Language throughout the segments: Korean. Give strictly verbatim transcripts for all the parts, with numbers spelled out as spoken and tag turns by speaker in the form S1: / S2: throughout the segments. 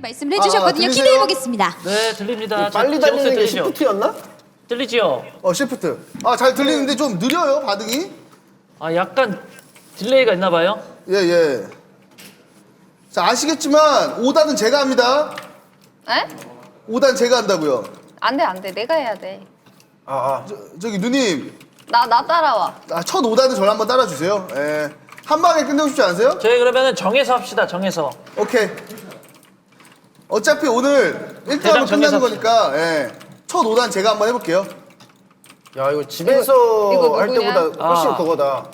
S1: 말씀을 해주셨거든요.
S2: 아,
S1: 기대해 보겠습니다.
S3: 네, 들립니다.
S2: 빨리
S3: 제- 제
S2: 달리는
S3: 목소리
S2: 게
S3: 들리죠?
S2: 시프트였나?
S3: 들리지요?
S2: 어 시프트. 아 잘 들리는데 좀 느려요 반응이.
S3: 아, 약간 딜레이가 있나 봐요.
S2: 예 예. 자 아시겠지만 오 단은 제가 합니다.
S4: 에?
S2: 오 단 제가 한다고요.
S4: 안 돼, 안 돼. 내가 해야 돼.
S2: 아, 아. 저, 저기 누님
S4: 나, 나 따라와.
S2: 아, 첫 오 단은 저를 한번 따라주세요. 예. 한 방에 끝내고 싶지 않으세요?
S3: 저희 그러면은 정해서 합시다. 정해서.
S2: 오케이. 어차피 오늘 일
S3: 대장
S2: 등하면 끝나는
S3: 정해서
S2: 거니까 예. 첫 오 단 제가 한번 해볼게요.
S5: 야 이거 집에서
S4: 이거
S5: 할
S4: 누구냐?
S5: 때보다 훨씬
S3: 아.
S5: 그거다.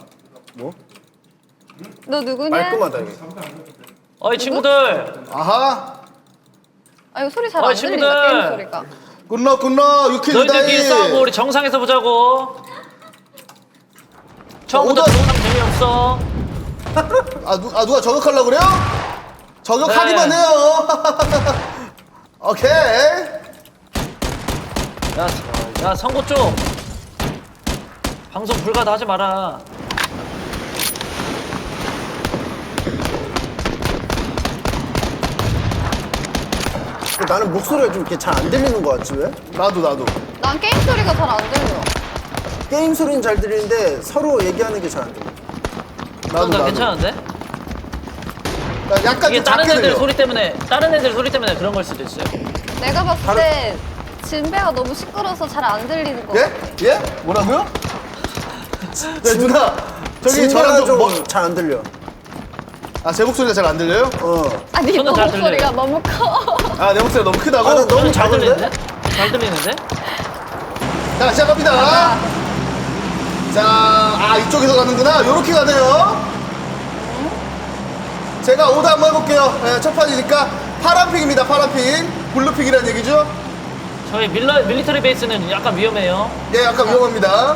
S4: 너 누구냐?
S5: 말끔하다 이게.
S3: 어이 친구들.
S2: 아하.
S4: 아, 이거 소리 잘 안
S3: 어이,
S4: 들린다,
S3: 친구들.
S4: 게임 소리가.
S2: 굿럭 굿럭 유키
S3: 너희들끼리 싸우고
S2: 유다이.
S3: 우리 정상에서 보자고. 처음부터
S2: 오더-
S3: 정상 재미없어.
S2: 아, 누, 아 누가 저격하려고 그래요? 저격하기만
S3: 네.
S2: 해요. 오케이.
S3: 야, 야 선고 쪽. 방송 불가다 하지 마라.
S5: 나는 목소리가 좀 이렇게 잘 안 들리는 것 같지 왜?
S2: 나도 나도.
S4: 난 게임 소리가 잘 안 들려.
S5: 게임 소리는 잘 들리는데 서로 얘기하는 게 잘 안 들려.
S2: 나도
S3: 나
S2: 나도.
S3: 괜찮은데?
S2: 나 약간
S3: 이게
S2: 좀
S3: 다른
S2: 작게
S3: 애들
S2: 들려.
S3: 소리 때문에 다른 애들 소리 때문에 그런 걸 수도 있어요.
S4: 내가 봤을 때 진배가 너무 시끄러워서 잘 안 들리는 거.
S2: 예? 예? 뭐라고요? 네, 누나. 저기 저랑 좀
S5: 좀
S2: 뭐,
S5: 잘 안 들려.
S2: 아, 제 목소리가 잘 안 들려요?
S5: 어.
S4: 아니,
S3: 저는
S4: 너
S3: 잘
S4: 목소리가
S3: 들려요.
S4: 너무 커.
S2: 아, 내 목소리가 너무 크다고?
S5: 아, 나 너무
S3: 저는 잘
S5: 작은데?
S3: 들리는데? 잘 들리는데?
S2: 자, 시작합니다. 자, 아, 이쪽에서 가는구나. 요렇게 가네요. 제가 오다 한번 해볼게요. 예, 첫 판이니까 파란핑입니다, 파란핑. 블루핑이라는 얘기죠?
S3: 저희 밀러, 밀리터리 베이스는 약간 위험해요.
S2: 예, 약간 위험합니다.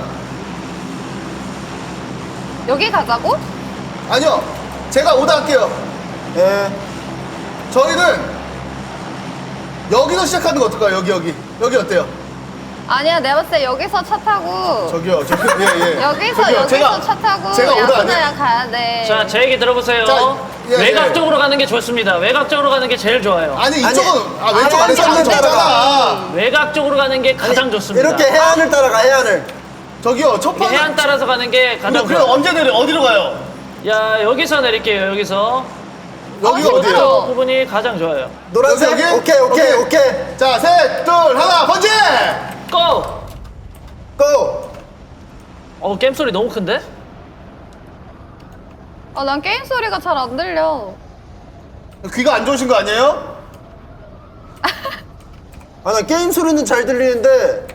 S4: 여기 가자고?
S2: 아니요, 제가 오다 할게요.
S5: 예.
S2: 저희는 여기서 시작하는 거 어떨까요? 여기, 여기. 여기 어때요?
S4: 아니야, 내가 봤을 때 여기서 차 타고.
S2: 저기요, 저기, 예, 예.
S4: 여기서,
S2: 저기요,
S4: 여기서
S2: 제가-
S4: 차 타고.
S2: 제가 오다 아니에요?
S4: 야구장이랑 가야 돼.
S3: 자, 제 얘기 들어보세요.
S2: 자, 예,
S3: 외곽
S2: 예.
S3: 쪽으로 가는 게 좋습니다. 외곽 쪽으로 가는 게 제일 좋아요.
S2: 아니, 이쪽은, 아, 왼쪽
S5: 아니,
S2: 안에서
S5: 아니,
S2: 하는
S5: 아니,
S2: 거잖아.
S3: 외곽 쪽으로 가는 게 가장 좋습니다.
S5: 이렇게 해안을 따라가 해안을.
S2: 저기요, 첫
S3: 이게
S2: 판은.
S3: 해안 따라서 가는 게 가장
S2: 그럼
S3: 좋아요.
S2: 언제 내려? 어디로 가요?
S3: 야, 여기서 내릴게요. 여기서.
S2: 여기가
S4: 아,
S2: 어디예요?
S4: 싫어요.
S3: 부분이 가장 좋아요.
S5: 노란색.
S2: 여기, 여기?
S5: 오케이 오케이
S2: 오케이.
S5: 오케이.
S2: 자, 셋, 둘, 하나, 번지!
S3: 고!
S5: 고.
S3: 어, 게임 소리 너무 큰데?
S4: 아, 난 게임 소리가 잘 안 들려.
S2: 귀가 안 좋으신 거 아니에요?
S5: 아 나 게임 소리는 잘 들리는데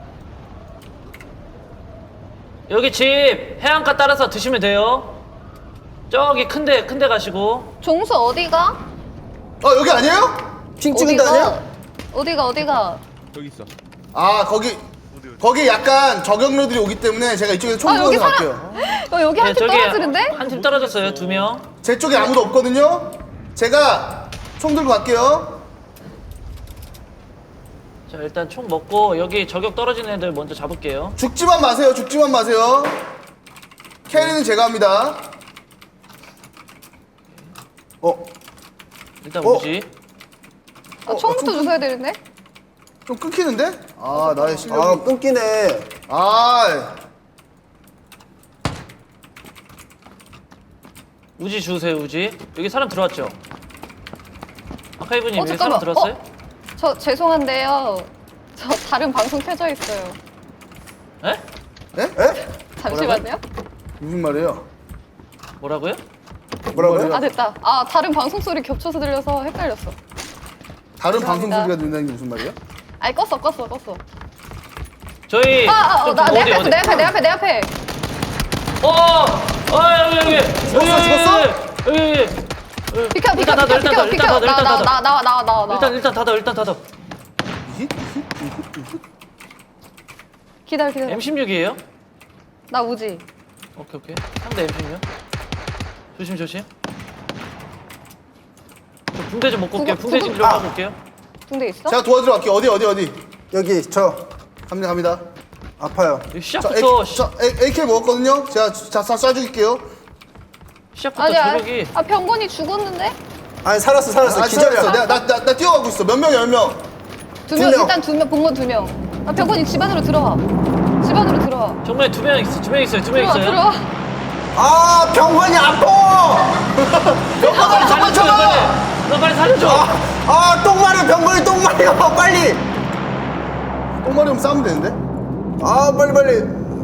S3: 여기 집 해안가 따라서 드시면 돼요. 저기 큰데 큰데 가시고.
S4: 종수 어디가?
S2: 어, 여기 아니에요?
S5: 핑 찍은 데 아니야?
S4: 어디가, 어디가?
S2: 아, 거기, 거기 약간 저격료들이 오기 때문에 제가 이쪽에서 총
S4: 아, 여기
S2: 들어서
S4: 사람.
S2: 갈게요.
S4: 어, 여기 한 팀 떨어지는데?
S3: 한 팀 떨어졌어요. 두 명.
S2: 제 쪽에 아무도 없거든요? 제가 총 들고 갈게요.
S3: 자, 일단 총 먹고 여기 저격 떨어지는 애들 먼저 잡을게요.
S2: 죽지만 마세요, 죽지만 마세요. 캐리는 제가 합니다.
S5: 어.
S3: 일단
S5: 어?
S3: 우지.
S4: 아, 총부터 주셔야 되는데?
S2: 좀 끊기는데? 아, 나의
S5: 아
S2: 실력이.
S5: 끊기네.
S2: 아,
S3: 우지 주세요. 우지. 여기 사람 들어왔죠? 아카이브님
S4: 어,
S3: 여기
S4: 잠깐만.
S3: 사람 들어왔어요?
S4: 어? 저 죄송한데요. 저 다른 방송 켜져 있어요.
S3: 에?
S2: 예?
S5: 에?
S4: 잠시만요.
S2: 무슨 말이에요?
S3: 뭐라고요?
S5: 뭐라고요?
S4: 아, 됐다. 아, 다른 방송 소리 겹쳐서 들려서 헷갈렸어.
S2: 다른 방송
S4: 죄송합니다.
S2: 소리가 들린다는 게 무슨 말이에요?
S4: 아니, 껐어, 껐어, 껐어.
S3: 저희
S4: 아, 아, 어,
S3: 좀
S4: 나, 내
S3: 어디
S4: 앞에,
S3: 어디?
S4: 내 앞에, 내 앞에, 내 앞에.
S3: 어! 어, 여기 여기. 여기
S2: 죽었어, 죽었어?
S3: 여기 여기. 여기.
S4: 비켜, 비켜,
S3: 일단 닫아,
S4: 비켜,
S3: 일단
S4: 비켜,
S3: 닫아,
S4: 비켜.
S3: 일단 닫아,
S4: 나,
S3: 일단
S4: 나,
S3: 닫아.
S4: 나, 나와, 나와, 나와, 나와.
S3: 일단 일단 닫아. 일단 닫아.
S4: 기다려, 기다려.
S3: 엠 십육이에요?
S4: 나 우지.
S3: 오케이 오케이. 상대 엠 십육. 조심 조심. 저 붕대 좀 먹고 올게요.
S4: 구급,
S3: 붕대 좀
S4: 구급.
S3: 좀
S5: 아.
S3: 하고 올게요.
S4: 붕대 있어?
S2: 제가 도와드려 갈게요. 어디, 어디, 어디?
S5: 여기 저
S2: 갑니다, 갑니다.
S5: 아파요.
S3: 이거
S2: 저,
S3: 시작부터
S2: A, 저 A, 에이케이 먹었거든요? 제가 자, 쏴, 쏴줄게요.
S3: 시작부터
S4: 아니야.
S3: 저력이
S4: 아, 병건이 죽었는데?
S5: 아니 살았어 살았어
S2: 아,
S5: 기절이야.
S2: 기다렸어. 내가 나, 나, 나 뛰어가고 있어. 몇 명이야, 몇 명?
S4: 두
S5: 두
S4: 명,
S5: 명.
S4: 일단 두 명, 본 건 두 명. 아, 병건이 집 안으로 들어와. 집 안으로 들어와.
S3: 정말 두 명 있어, 두 명 있어요, 두 명
S4: 들어와,
S3: 있어요.
S4: 들어와.
S5: 아 병원이 아파.
S3: 빨리 살려줘, 빨리. 너 빨리 살려줘.
S5: 아 똥마려 병원이 똥마려 빨리.
S2: 똥마리면 싸우면 되는데?
S5: 아 빨리 빨리.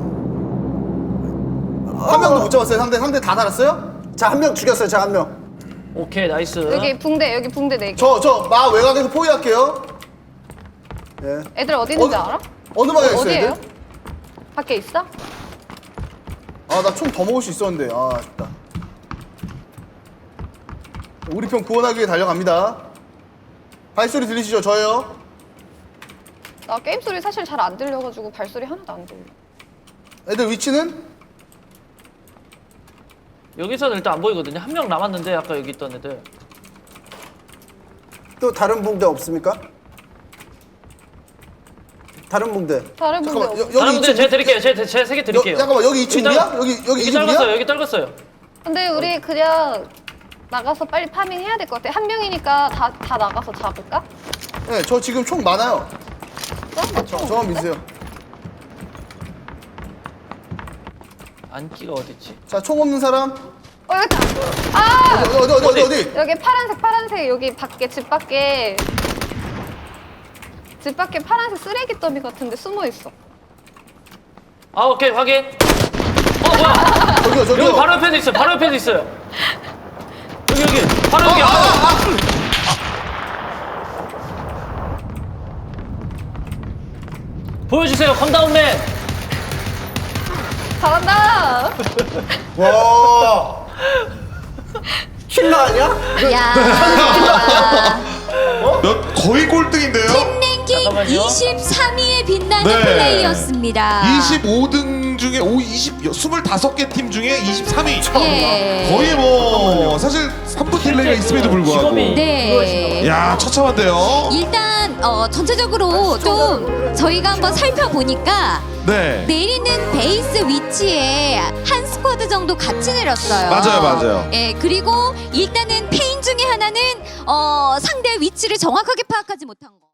S2: 한 명도 못 잡았어요, 상대. 상대 다 달았어요?
S5: 자 한 명 죽였어요. 자 한 명.
S3: 오케이, 나이스.
S4: 여기 붕대, 여기 붕대 네 개.
S2: 저, 저, 마 외곽에서 포위할게요.
S5: 예.
S4: 애들 어디 있는지
S2: 어디-
S4: 알아?
S2: 어느 방에 있어요,
S4: 어디에요?
S2: 애들?
S4: 밖에 있어?
S2: 아, 나 총 더 먹을 수 있었는데. 아, 아쉽다. 우리 편 구원하기 위해 달려갑니다. 발소리 들리시죠? 저예요.
S4: 나 게임 소리 사실 잘 안 들려가지고 발소리 하나도 안 들려.
S2: 애들 위치는?
S3: 여기서는 일단 안 보이거든요. 한 명 남았는데 아까 여기 있던 애들.
S5: 또 다른 붕대 없습니까? 다른 붕대.
S4: 다른 붕대
S2: 잠깐만,
S4: 없어.
S2: 여, 여기
S3: 다른 분들
S2: 이 층.
S3: 제가 드릴게요. 제가 제가 세개 드릴게요.
S2: 여, 잠깐만, 여기 이 층 우리야? 여기, 여기 이 층
S3: 떨궜어요.
S2: 우리야?
S3: 여기 떨궜어요.
S4: 근데 우리 그냥 나가서 빨리 파밍 해야 될 것 같아. 한 명이니까 다, 다 나가서 잡을까?
S2: 네, 저 지금 총 많아요.
S4: 어?
S2: 저, 저만 믿으세요.
S3: 안기가 어딨지?
S2: 자, 총 없는 사람?
S4: 어, 여기 있다. 아!
S2: 어디, 어디, 어디, 어디, 어디?
S4: 여기 파란색, 파란색, 여기 밖에, 집 밖에. 집 밖에 파란색 쓰레기 더미 같은데 숨어 있어.
S3: 아, 오케이, 확인. 어, 뭐야?
S2: 저기요, 저기요.
S3: 여기 바로 옆에도 있어요. 바로 옆에도 있어요. 여기, 여기. 바로 여기.
S2: 아,
S3: 아,
S2: 아, 아.
S3: 보여주세요, 컴다운맨.
S4: 잘한다!
S5: 와. 킬러 아니야?
S1: 야.
S6: 몇 거의 꼴등인데요?
S1: 랭킹
S3: 잠깐만요.
S1: 이십삼 위에 빛나는
S6: 네.
S1: 플레이였습니다.
S6: 이십오 등 중에 오 이십 이십이 개 팀 중에 이십삼 위.
S1: 예.
S6: 거의 뭐 사실 삼 분 딜레이가 있음에도 불구하고.
S3: 직업이
S1: 네.
S3: 그거이신가 봐요.
S6: 야, 처참한데요.
S1: 일단 어, 전체적으로 좀 저희가 한번 살펴보니까
S6: 네.
S1: 내리는 베이스 위치에 한 스쿼드 정도 같이 내렸어요.
S6: 맞아요, 맞아요.
S1: 예, 그리고 일단은 페인 중에 하나는 어, 상대 위치를 정확하게 파악하지 못한 거.